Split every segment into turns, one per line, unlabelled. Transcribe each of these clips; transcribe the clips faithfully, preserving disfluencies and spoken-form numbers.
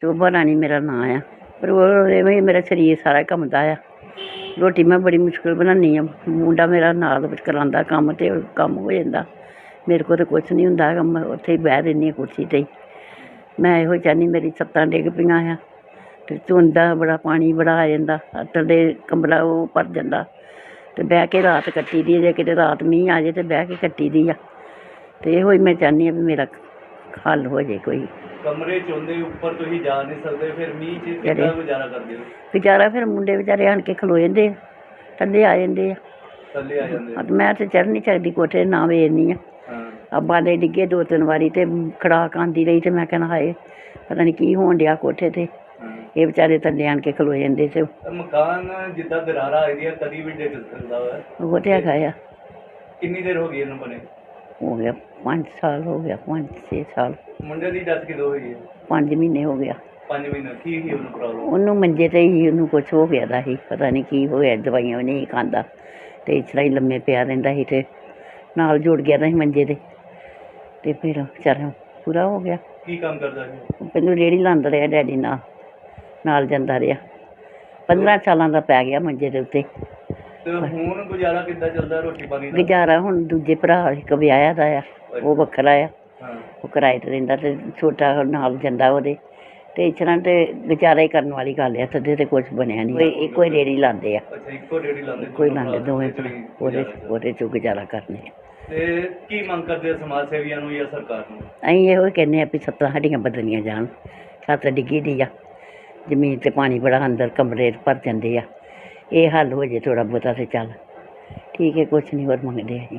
शोभा रानी मेरा नां आ। पर ओह् मेरा शरीर सारा कंबदा आ। रोटी मैं बड़ी मुश्कल बनानी आं। मुंडा मेरा नाल करांदा कम्म ते कम्म हो जांदा। मेरे कोल ते कुछ नहीं हुंदा हैगा। मैं उत्थे ही बैह रैह्नी आं कुर्सी ते ही। मैं इहो चाह्न्नी मेरी छत्तां डिग पेइयां आ ते चौंदा बड़ा पानी बड़ा आ जांदा थल्ले कमरा ओह् भर जांदा ते बैह के रात कट्टी दी जे किते रात मींह् आ जाए ते बैह के कट्टी दी आ। ते इहो ही मैं चाह्न्नी आं भी मेरा हल हो जाए कोई।
कमरे च होंदे उप्पर तुसीं जा नहीं सकदे, फिर मींह च किद्दां गुजारा करदे हो?
गुजारा फिर मुंडे बेचारे आन के खलो जंदे आ, थल्ले आ जंदे आ।
थल्ले आ जांदे आ।
मैं ते चढ़ नहीं सकदी कोठे ना वेखनी आं। बाले डिग्गे दो तिन्न बारी ते खड़ाक आंदी रही ते मैं कहना हाय पता नहीं की होन डेआ कोठे ते। ਇਹ ਵਿਚਾਰੇ ਥੱਲੇ ਆਣ ਕੇ ਖਲੋ ਜਾਂਦੇ ਸੀ।
ਮਕਾਨ ਜਿੱਦਾਂ ਦਰਾਰਾਂ ਆਈ ਦੀਆਂ ਕਦੀ ਵੀ ਡਿੱਗ ਸਕਦਾ ਵਾ।
ਉਹ ਤੇ ਹੈਗਾ ਆ।
ਕਿੰਨੀ ਦੇਰ ਹੋ ਗਈ ਇਹਨੂੰ ਬਣੇ?
ਹੋ ਗਿਆ ਪੰਜ ਸਾਲ ਹੋ ਗਿਆ, ਪੰਜ ਛੇ ਸਾਲ।
ਮੁੰਡੇ ਦੀ ਡੈਥ ਕਿਦੋਂ ਹੋਈ ਹੈ?
ਪੰਜ ਮਹੀਨੇ ਹੋ ਗਿਆ।
ਪੰਜ ਮਹੀਨੇ ਕੀ ਸੀ ਉਹਨੂੰ ਪ੍ਰੋਬਲਮ? ਉਹਨੂੰ
ਮੰਜੇ ਤੇ ਹੀ ਉਹਨੂੰ ਕੁਛ ਹੋ ਗਿਆ ਦਾ ਸੀ, ਪਤਾ ਨਹੀਂ ਕੀ ਹੋਇਆ, ਦਵਾਈਆਂ ਵੀ ਨਹੀਂ ਖਾਂਦਾ ਤੇ ਇਸ ਤਰ੍ਹਾਂ ਹੀ ਲੰਮੇ ਪਿਆ ਰਹਿੰਦਾ ਸੀ ਤੇ ਨਾਲ ਜੁੜ ਗਿਆ ਦਾ ਸੀ ਮੰਜੇ ਤੇ ਤੇ ਫਿਰ ਵਿਚਾਰਾ ਪੂਰਾ ਹੋ ਗਿਆ।
ਕੀ ਕੰਮ ਕਰਦਾ ਸੀ?
ਪਹਿਲਾਂ ਰੇਹੜੀ ਲਾਉਂਦਾ ਰਿਹਾ ਡੈਡੀ ਨਾਲ ਨਾਲ ਜਾਂਦਾ ਰਿਹਾ। ਪੰਦਰਾਂ ਸਾਲਾਂ ਦਾ ਪੈ ਗਿਆ ਮੰਜੇ ਦੇ ਉੱਤੇ।
ਤੇ ਹੁਣ ਗੁਜ਼ਾਰਾ ਕਿੱਦਾਂ ਚੱਲਦਾ ਰੋਟੀ ਪਾਣੀ ਦਾ?
ਗੁਜ਼ਾਰਾ ਹੁਣ ਦੂਜੇ ਭਰਾ ਇੱਕ ਵਿਆਹਿਆ ਦਾ ਆ, ਉਹ ਵੱਖਰਾ ਆ, ਉਹ ਕਿਰਾਏ ਤੇ ਰਹਿੰਦਾ ਤੇ ਛੋਟਾ ਨਾਲ ਜਾਂਦਾ ਉਹਦੇ ਤੇ ਇਸ ਤਰ੍ਹਾਂ ਤੇ ਗੁਜ਼ਾਰਾ ਹੀ ਕਰਨ ਵਾਲੀ ਗੱਲ ਆ। ਸਦੇ ਤੇ ਕੁਛ ਬਣਿਆ ਨਹੀਂ। ਇੱਕੋ ਹੀ ਰੇਹੜੀ ਲਾਉਂਦੇ ਆ।
ਅੱਛਾ, ਇੱਕੋ ਰੇਹੜੀ ਲਾਉਂਦੇ?
ਇੱਕੋ ਹੀ ਲਾਉਂਦੇ ਦੋਵੇਂ ਭਰਾ, ਉਹਦੇ ਉਹਦੇ 'ਚੋਂ ਗੁਜ਼ਾਰਾ ਕਰਨੇ ਆ।
ਤੇ ਕੀ ਮੰਗ ਕਰਦੇ ਆ ਸਮਾਜ ਸੇਵੀਆਂ ਨੂੰ ਜਾਂ ਸਰਕਾਰ ਨੂੰ?
ਅਸੀਂ ਇਹੋ ਹੀ ਕਹਿੰਦੇ ਹਾਂ ਵੀ ਛੱਤਾਂ ਸਾਡੀਆਂ ਬਦਲੀਆਂ ਜਾਣ। ਛੱਤ ਡਿੱਗੀ ਦੀ ਆ, ਜ਼ਮੀਨ 'ਤੇ ਪਾਣੀ ਬੜਾ ਅੰਦਰ ਕਮਰੇ ਭਰ ਜਾਂਦੇ ਆ। ਇਹ ਹੱਲ ਹੋ ਜੇ ਥੋੜ੍ਹਾ ਬਹੁਤਾ ਤੇ ਚੱਲ ਠੀਕ ਹੈ, ਕੁਛ ਨਹੀਂ ਹੋਰ ਮੰਗਦੇ ਅਸੀਂ।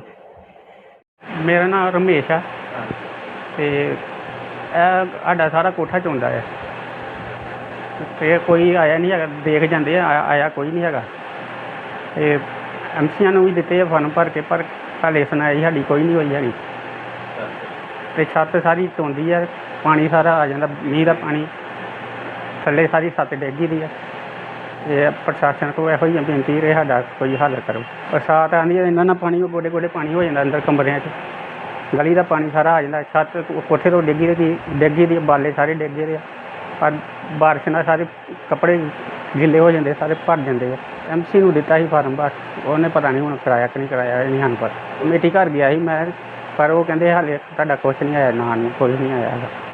ਮੇਰਾ ਨਾਮ ਰਮੇਸ਼ ਆ ਅਤੇ ਇਹ ਸਾਡਾ ਸਾਰਾ ਕੋਠਾ ਚੋਂਦਾ ਹੈ ਅਤੇ ਕੋਈ ਆਇਆ ਨਹੀਂ ਹੈਗਾ, ਦੇਖ ਜਾਂਦੇ ਆ, ਆਇਆ ਕੋਈ ਨਹੀਂ ਹੈਗਾ। ਅਤੇ ਐਮ ਸੀਆਂ ਨੂੰ ਵੀ ਦਿੱਤੇ ਆ ਫਾਰਮ ਭਰ ਕੇ, ਪਰ ਹਾਲੇ ਸੁਣਾਈ ਸਾਡੀ ਕੋਈ ਨਹੀਂ ਹੋਈ ਹੈਗੀ। ਅਤੇ ਛੱਤ ਸਾਰੀ ਚੋਂਦੀ ਆ, ਪਾਣੀ ਸਾਰਾ ਆ ਜਾਂਦਾ, ਮੀਂਹ ਦਾ ਪਾਣੀ ਥੱਲੇ ਸਾਰੀ ਛੱਤ ਡਿੱਗੀ ਦੀ ਆ। ਇਹ ਪ੍ਰਸ਼ਾਸਨ ਕੋਲ ਇਹੋ ਹੀ ਬੇਨਤੀ ਰਹੇ ਸਾਡਾ ਕੋਈ ਹੱਲ ਕਰੋ। ਬਰਸਾਤ ਆਉਂਦੀ ਹੈ ਇਹਨਾਂ ਨਾਲ ਪਾਣੀ ਗੋਡੇ ਗੋਡੇ ਪਾਣੀ ਹੋ ਜਾਂਦਾ ਅੰਦਰ ਕਮਰਿਆਂ 'ਚ, ਗਲੀ ਦਾ ਪਾਣੀ ਸਾਰਾ ਆ ਜਾਂਦਾ। ਛੱਤ ਕੋਠੇ ਤੋਂ ਡਿੱਗੀ ਦੀ ਡਿੱਗੀ ਦੀ ਬਾਲੇ ਸਾਰੇ ਡਿੱਗੇ ਦੇ ਆ, ਪਰ ਬਾਰਿਸ਼ ਨਾਲ ਸਾਰੇ ਕੱਪੜੇ ਗਿੱਲੇ ਹੋ ਜਾਂਦੇ, ਸਾਰੇ ਭਰ ਜਾਂਦੇ ਆ। ਐਮ ਸੀ ਨੂੰ ਦਿੱਤਾ ਸੀ ਫਾਰਮ, ਬਸ ਉਹਨੇ ਪਤਾ ਨਹੀਂ ਹੁਣ ਕਰਾਇਆ ਕਿ ਨਹੀਂ ਕਰਾਇਆ, ਇਹ ਨਹੀਂ ਸਾਨੂੰ ਪਤਾ। ਕਮੇਟੀ ਘਰ ਗਿਆ ਸੀ ਮੈਂ, ਪਰ ਉਹ ਕਹਿੰਦੇ ਹਾਲੇ ਤੁਹਾਡਾ ਕੁਛ ਨਹੀਂ ਆਇਆ, ਨਾ ਨਹੀਂ ਕੋਈ ਨਹੀਂ ਆਇਆ ਹੈਗਾ।